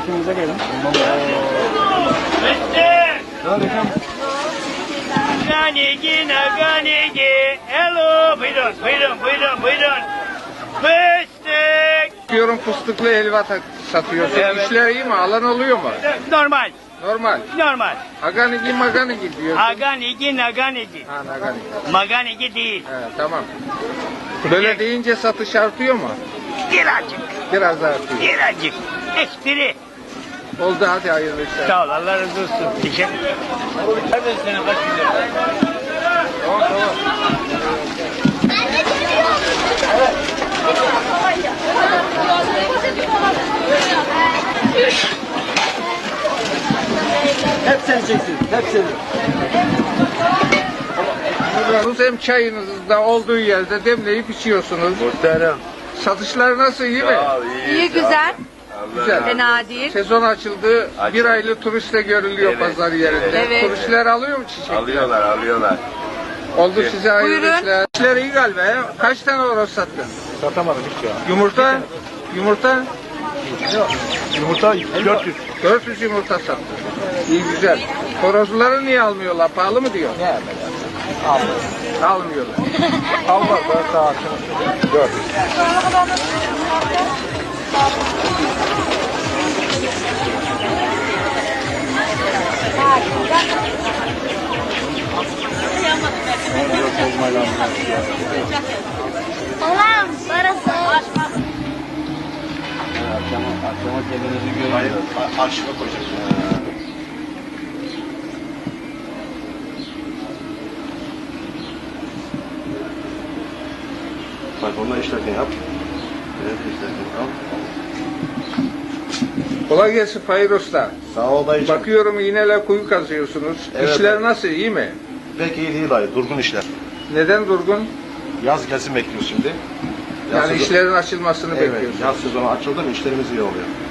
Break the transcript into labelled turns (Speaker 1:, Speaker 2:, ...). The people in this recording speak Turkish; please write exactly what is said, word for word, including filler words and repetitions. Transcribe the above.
Speaker 1: çekimimize gelin.
Speaker 2: Ganigi, naganigi. Hello, buyurun, buyurun, buyurun, buyurun. Fıstık.
Speaker 3: Diyorum fıstıklı helva satıyorsun.
Speaker 2: Evet.
Speaker 3: İşler iyi mi? Alan oluyor mu?
Speaker 2: Normal,
Speaker 3: Normal.
Speaker 2: normal.
Speaker 3: Aganigi maganigi diyorsun.
Speaker 2: Aganigi, naganigi.
Speaker 3: Ha naganigi.
Speaker 2: Maganigi değil.
Speaker 3: He, tamam. Böyle deyince satış artıyor mu?
Speaker 2: Birazcık,
Speaker 3: Biraz artıyor.
Speaker 2: birazcık. Espri.
Speaker 3: Oldu, hadi hayırlı işler.
Speaker 2: Sağ ol, Allah razı olsun. Teşekkür ederim. Nerede senin kaç güzel?
Speaker 3: Tamam tamam.
Speaker 1: Hep seni çeksin. Hep seni.
Speaker 3: Siz hem çayınızda olduğu yerde demleyip içiyorsunuz.
Speaker 4: Muhterem.
Speaker 3: Satışlar nasıl, iyi mi?
Speaker 5: İyi, güzel.
Speaker 3: Güzel.
Speaker 5: Fena değil.
Speaker 3: Sezon açıldı. Bir aylı turiste görülüyor
Speaker 4: Evet,
Speaker 3: pazar yerinde.
Speaker 5: evet.
Speaker 3: Turistler alıyor mu çiçek?
Speaker 4: Alıyorlar, alıyorlar.
Speaker 3: Oldu, size hayırlı
Speaker 5: Buyurun.
Speaker 3: işler. İşler iyi galiba ya. Kaç tane horoz sattın?
Speaker 1: Satamadım hiç ya.
Speaker 3: Yumurta? Yumurta?
Speaker 1: Yumurta dört yüz.
Speaker 3: dört yüz yumurta sattın. İyi, güzel. Horozları niye almıyorlar? Pahalı mı diyor?
Speaker 1: Ne yapayım? Aldım.
Speaker 3: Almıyorlar.
Speaker 1: Almaz. Ben daha akşam dört yüz.
Speaker 5: Allah'ım parası.
Speaker 1: Akşama kendinizi görün.
Speaker 4: Hayır, arşive koyacaksın. Bak onunla işlerken yap. Evet, işlerken al.
Speaker 3: Kolay gelsin Fahir Usta.
Speaker 4: Sağ ol dayıcığım.
Speaker 3: Bakıyorum iğneyle kuyu kazıyorsunuz.
Speaker 4: Evet.
Speaker 3: İşler nasıl, iyi mi?
Speaker 4: Pek iyi değil dayı, durgun işler.
Speaker 3: Neden durgun?
Speaker 4: Yaz gelsin bekliyoruz şimdi. Yaz
Speaker 3: Yani
Speaker 4: sezonu-
Speaker 3: işlerin açılmasını
Speaker 4: Evet,
Speaker 3: bekliyorsunuz.
Speaker 4: yaz sezonu açıldı mı işlerimiz iyi oluyor.